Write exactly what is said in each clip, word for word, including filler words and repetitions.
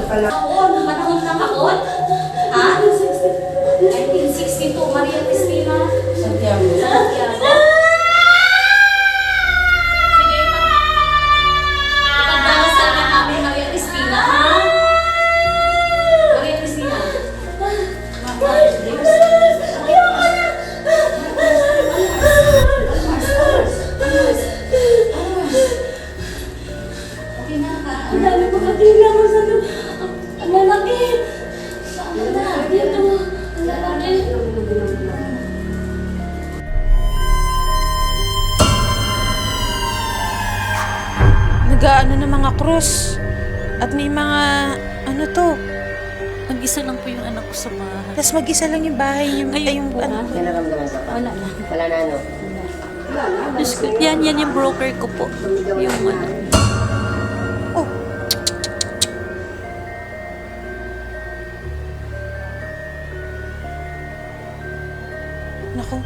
Kahon, manahon na kahon? Ha? nineteen sixty-two, Maria Cristina Santiago. Santiago. Sige, ipagdasal na namin Maria Cristina, ha? Maria Cristina. Okay na ka? Ang dami ko katina mo sa ang lalaki. Ano na? Dito. Ang lalaki. Nag-ano ng mga krus. At may mga, ano to. Mag-isa lang po yung anak ko sa bahay. Tapos mag-isa lang yung bahay niyo. Ngayon Ay, yung po, ano. May naramdaman ka pa? Wala lang. Wala na, ano? Diyos ko, yan, yan yung broker ko po. Yung ano. Oh. Naku.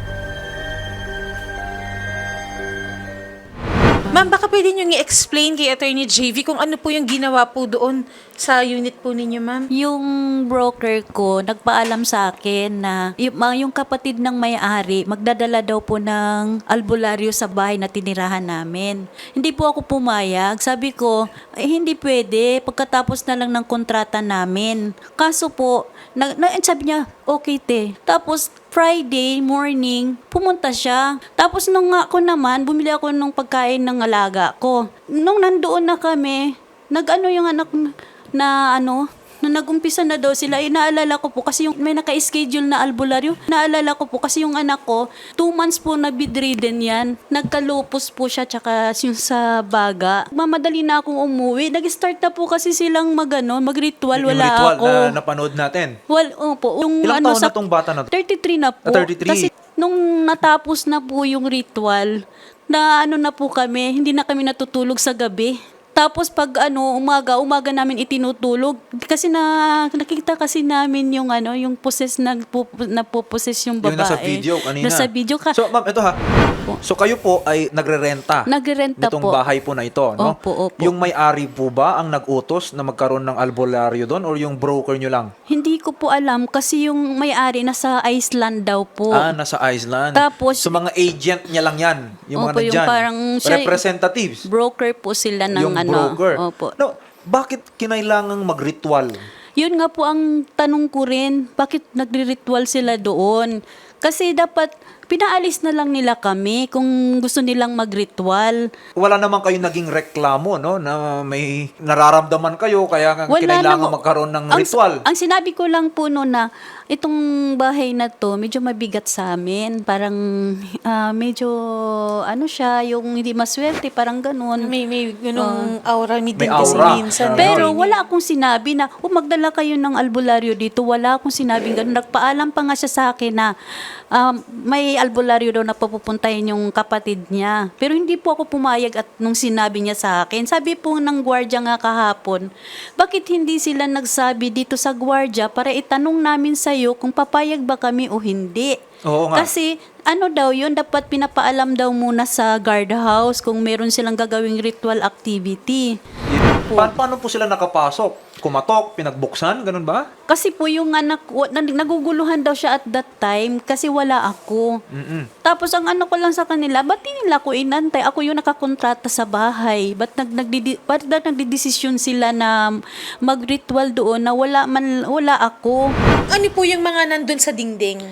Ma'am, baka pwede nyo i-explain kay Attorney J V kung ano po yung ginawa po doon sa unit po ninyo, ma'am? Yung broker ko, nagpaalam sa akin na yung, mga- yung kapatid ng may-ari, magdadala daw po ng albularyo sa bahay na tinirahan namin. Hindi po ako pumayag. Sabi ko, eh, hindi pwede. Pagkatapos na lang ng kontrata namin. Kaso po, na, na, sabi niya, okay te. Tapos, Friday morning, pumunta siya. Tapos nung ako naman, bumili ako ng pagkain ng alaga ko. Nung nandoon na kami, nag-ano yung anak na, na ano, na nag-umpisa na daw sila, eh, naalala ko po kasi yung may naka-schedule na albularyo. Naalala ko po kasi yung anak ko, two months po na bedridden yan. Nagkalupos po siya tsaka yung sa baga. Mamadali na akong umuwi. Nag-start na po kasi silang mag-ano, mag-ritual. Yung Wala ritual ako. na napanood natin. Well, opo. Yung Ilang ano taon sa na tong bata na to? thirty-three na po. Ah, thirty-three. Kasi nung natapos na po yung ritual, na ano na po kami, hindi na kami natutulog sa gabi. Tapos pag ano, umaga, umaga namin itinutulog. Kasi na, nakikita kasi namin yung ano, yung poses, nagpo, napoposes yung babae. Yung nasa video kanina. Nasa video ka. So, ma'am, ito ha. So, kayo po ay nagre-renta Nagrerenta nitong po. bahay po na ito, no? Opo, opo. Yung may-ari po ba ang nag-utos na magkaroon ng albularyo doon or yung broker nyo lang? Hindi ko po alam kasi yung may-ari nasa Iceland daw po. Ah, nasa Iceland. Tapos- so, mga agent niya lang yan. Yung Opo, mga yung nandyan. parang siya- Representatives. Broker po sila ng yung ano. broker. Opo. No, bakit kinailangang mag-ritual? Yun nga po ang tanong ko rin, bakit nagre-ritual sila doon? Kasi dapat pinaalis na lang nila kami kung gusto nilang mag-ritual. Wala naman kayong naging reklamo, no? Na may nararamdaman kayo, kaya nga kinailangan namang- magkaroon ng ang, ritual. Ang sinabi ko lang po noon na itong bahay na to medyo mabigat sa amin. Parang ah, medyo ano siya, yung hindi maswerte, parang ganun. May, may ganung aura ni May din kasi aura. minsan. Ah. Pero Attorney. wala akong sinabi na, oh, magdala kayo ng albularyo dito. Wala akong sinabing ganun. Nagpaalam pa nga siya sa akin na um, may albularyo daw na papupuntahin yung kapatid niya. Pero hindi po ako pumayag at nung sinabi niya sa akin. Sabi po ng gwardiya nga kahapon, bakit hindi sila nagsabi dito sa gwardiya para itanong namin sa'yo kung papayag ba kami o hindi? Oo nga. Kasi ano daw yun, dapat pinapaalam daw muna sa guardhouse kung meron silang gagawing ritual activity. Pa- paano po sila nakapasok? Kumatok, pinagbuksan, ganun ba? Kasi po yung anak ko, nag- naguguluhan daw siya at that time kasi wala ako. Mm-mm. Tapos ang ano ko lang sa kanila, ba't di nila ako inantay? Ako yung nakakontrata sa bahay. Ba't, nag, nagdidi, ba't na nagdidesisyon sila na mag-ritual doon na wala, man, wala ako? Ano po yung mga nandun sa dingding?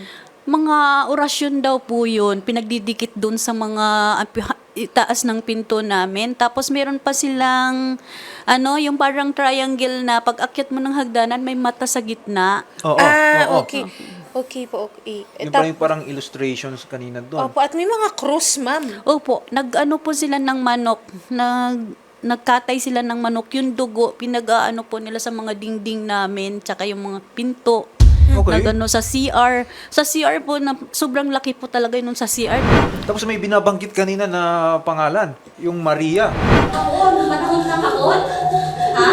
Mga orasyon daw po yun, pinagdidikit doon sa mga ah, itaas ng pinto namin. Tapos meron pa silang, ano, yung parang triangle na pag akyat mo ng hagdanan, may mata sa gitna. Oo, ah, oo. okay. Okay po, okay. Eh, Yung tap- parang, yung parang illustrations kanina doon. Opo, at may mga cross, ma'am. Opo, nag-ano po sila ng manok, nag nagkatay sila ng manok, yung dugo, pinag-aano po nila sa mga dingding namin, tsaka yung mga pinto. Okay. Nagano sa C R. Sa C R po, na, sobrang laki po talaga yun sa C R. Tapos may binabanggit kanina na pangalan, yung Maria. Kahon, manahon na kahon? Ha?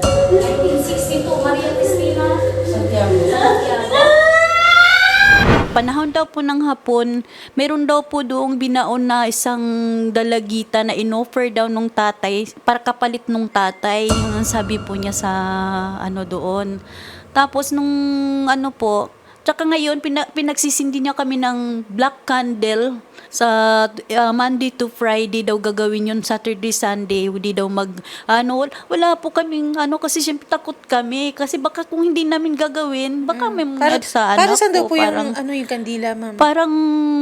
nineteen sixty-two, Maria Cristina Santiago. Santiago. panahon daw po ng hapon, meron daw po doong binaon na isang dalagita na inoffer daw nung tatay, para kapalit nung tatay, yung sabi po niya sa ano doon. Tapos nung ano po, tsaka ngayon, pina, pinagsisindi niya kami ng black candle sa uh, Monday to Friday daw gagawin yun, Saturday, Sunday, hindi daw mag, ano, wala po kaming, ano, kasi siyempre takot kami, kasi baka kung hindi namin gagawin, baka may mga sa anak para saan daw ko, po yung, parang, ano, yung kandila, ma'am? parang,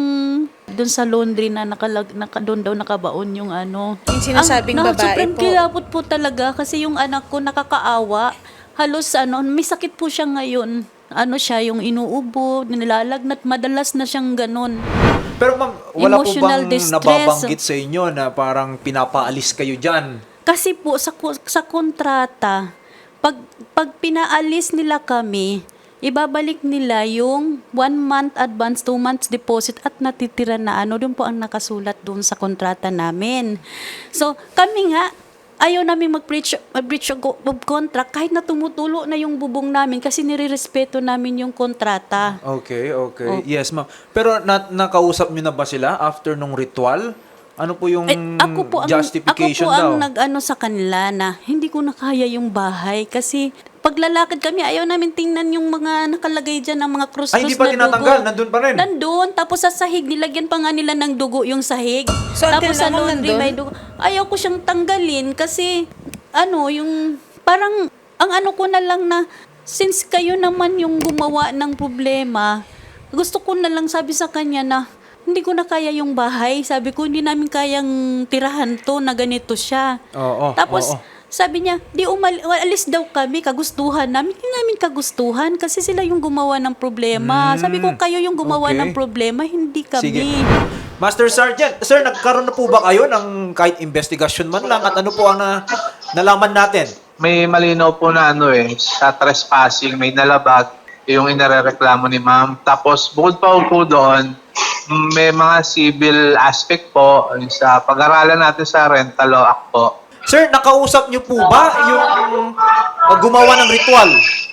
doon sa laundry na nakalag, naka, doon daw nakabaon yung ano. Yung sinasabing Ang- na- babae sobrang po. kilabot po talaga, kasi yung anak ko nakakaawa, halos ano, may sakit po siya ngayon. Ano siya, yung inuubo, nilalagnat, madalas na siyang ganun. Pero ma'am, wala po Emotional bang distress. nababanggit sa inyo na parang pinapaalis kayo dyan? Kasi po sa ko- sa kontrata, pag pag pinaalis nila kami, ibabalik nila yung one month advance, two months deposit at natitira na ano, doon po ang nakasulat doon sa kontrata namin. So, kami nga ayaw namin mag-breach, mag-breach of of contract kahit na tumutulo na yung bubong namin kasi nire-respeto namin yung kontrata. Okay, Oh. okay. Yes, ma'am. Pero na, nakausap nyo na ba sila after nung ritual? Ano po yung Eh, ako po ang, justification ako po ang daw? nag-ano sa kanila na hindi ko na kaya yung bahay kasi paglalakad kami, ayaw namin tingnan yung mga nakalagay dyan ng mga krus-krus Ay, hindi pa na tinatanggal. dugo. Nandun pa rin. Nandun. Tapos sa sahig, nilagyan pa nga nila ng dugo yung sahig. So, until Tapos sa now, laundry, nandun? may dugo. Ayaw ko siyang tanggalin kasi, ano, yung, parang, ang ano ko na lang na, since kayo naman yung gumawa ng problema, gusto ko na lang sabi sa kanya na, hindi ko na kaya yung bahay. Sabi ko, hindi namin kayang tirahan to na ganito siya. Oo, Tapos, oo. sabi niya, di umal alis daw kami, kagustuhan namin. Hindi namin kagustuhan kasi sila yung gumawa ng problema. Mm, Sabi ko, kayo yung gumawa okay. ng problema, hindi kami. Sige. Master Sergeant, sir, nagkaroon na po ba kayo ng kahit investigation man lang at ano po ang na, nalaman natin? May malinaw po na ano eh, sa trespassing, may nalabag yung inarereklamo ni ma'am. Tapos bukod pa po doon, may mga civil aspect po yung sa pag-aralan natin sa rental law act po. Sir, nakausap niyo po ba yung uh, gumawa ng ritual?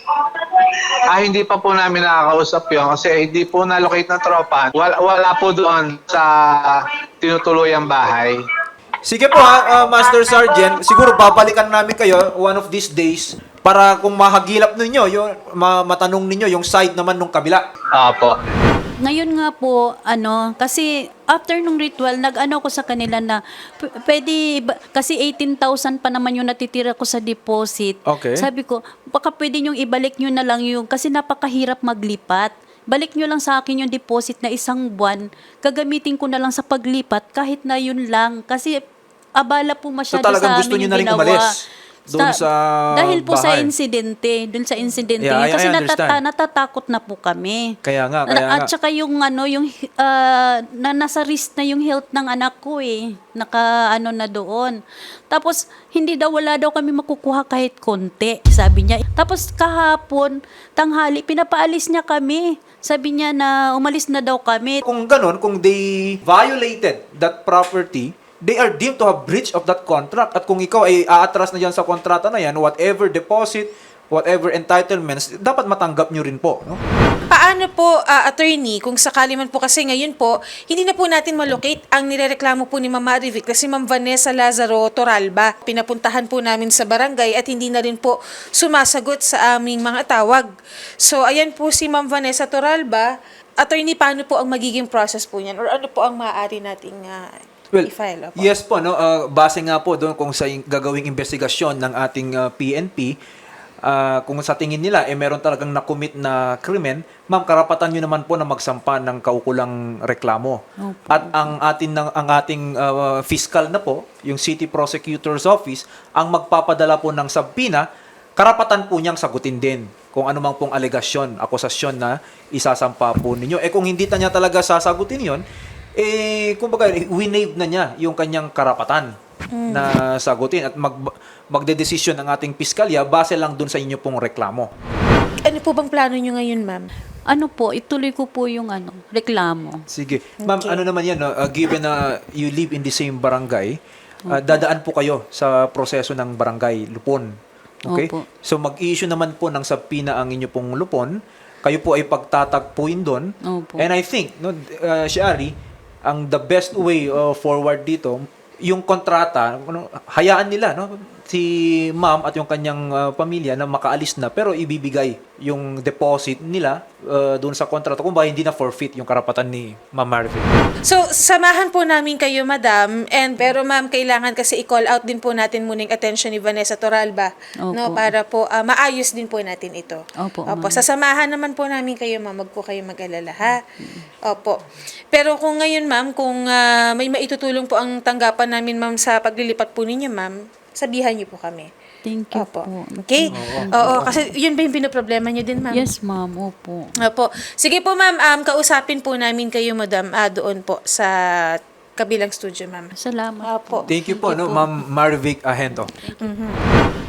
Ah, hindi pa po namin nakakausap yun kasi hindi po na-locate ng tropa. Wala, wala po doon sa tinutuluyang bahay. Sige po ha, uh, Master Sergeant, siguro babalikan namin kayo one of these days para kung mahagilap ninyo, yung, ma- matanong ninyo yung side naman nung kabila. Opo. Ngayon nga po, ano, kasi after nung ritual, nag-ano ko sa kanila na, p- pwede, ba- kasi eighteen thousand pa naman yung natitira ko sa deposit. Okay. Sabi ko, baka pwede nyo ibalik nyo na lang yung, kasi napakahirap maglipat. Balik nyo lang sa akin yung deposit na isang buwan, gagamitin ko na lang sa paglipat kahit na yun lang. Kasi abala po So masyado talagang sa gusto amin nyo yung na rin ginawa. umalis doon sa Dahil po sa bahay. insidente, doon sa insidente. Yeah, yun. I- Kasi I natata- understand. natatakot na po kami. Kaya nga, kaya Na- At nga. saka yung ano, yung ah, na nasa risk na yung health ng anak ko eh. Naka ano na doon. Tapos hindi daw, wala daw kami makukuha kahit konti, sabi niya. Tapos kahapon, tanghali, pinapaalis niya kami. Sabi niya na umalis na daw kami. Kung ganun, kung they violated that property, they are deemed to have breach of that contract. At kung ikaw ay aatras na dyan sa kontrata na yan, whatever deposit, whatever entitlements, dapat matanggap nyo rin po. No? Paano po, ah, attorney, kung sakali man po kasi ngayon po, hindi na po natin malocate ang nirereklamo po ni Ma'am Marivic na si Ma'am Vanessa Lazaro Toralba. Pinapuntahan po namin sa barangay at hindi na rin po sumasagot sa aming mga tawag. So, ayan po si Ma'am Vanessa Toralba. Attorney, paano po ang magiging process po niyan? Or ano po ang maaari nating ah, Well, i-file? Opo? yes po, no, uh, base nga po doon kung sa in- gagawing investigasyon ng ating uh, P N P, uh, kung sa tingin nila eh meron talagang nakumit na krimen, ma'am, karapatan nyo naman po na magsampa ng kaukulang reklamo. Opo. At ang atin ng ang ating uh, fiscal na po, yung City Prosecutor's Office, ang magpapadala po ng subpoena, karapatan po niyang sagutin din kung ano mang pong alegasyon, akusasyon na isasampa po ninyo. Eh kung hindi na niya talaga sasagutin yon, eh, kumbaga, winave na niya yung kanyang karapatan na sagutin at mag, magdedesisyon ang ating piskalya base lang dun sa inyo pong reklamo. Ano po bang plano nyo ngayon, ma'am? Ano po, ituloy ko po yung ano, reklamo. Sige. Ma'am, Okay. ano naman yan, no? Uh, given na you live in the same barangay, uh, dadaan po kayo sa proseso ng barangay lupon. Okay? Opo. So, mag-issue naman po ng subpoena ang inyo pong lupon kayo po ay pagtatagpuin doon. Opo. And I think, no, uh, Shari, ang the best way uh, forward dito, yung kontrata, ano, hayaan nila, no? Si ma'am at yung kanyang uh, pamilya na makaalis na pero ibibigay yung deposit nila uh, doon sa kontrata kung ba hindi na forfeit yung karapatan ni Ma'am Marvin. So, samahan po namin kayo, madam. And pero ma'am, kailangan kasi i-call out din po natin muna yung attention ni Vanessa Toralba, Opo. no, para po ah, maayos din po natin ito. Opo, Opo, ma'am. sasamahan naman po namin kayo, ma'am. Wag po kayo mag-alala, ha? Opo. Pero kung ngayon, ma'am, kung ah, may maitutulong po ang tanggapan namin, ma'am, sa paglilipat po ninyo, ma'am, sabihan niyo po kami. Thank you Opo. po. Okay? Oo, kasi yun ba yung pinoproblema niyo din, ma'am? Yes, ma'am. Opo. Opo. Sige po, ma'am. Um, kausapin po namin kayo, madam, ah, doon po sa kabilang studio, ma'am. Salamat. Opo. Thank you po, no, Ma'am Marvic Ahento.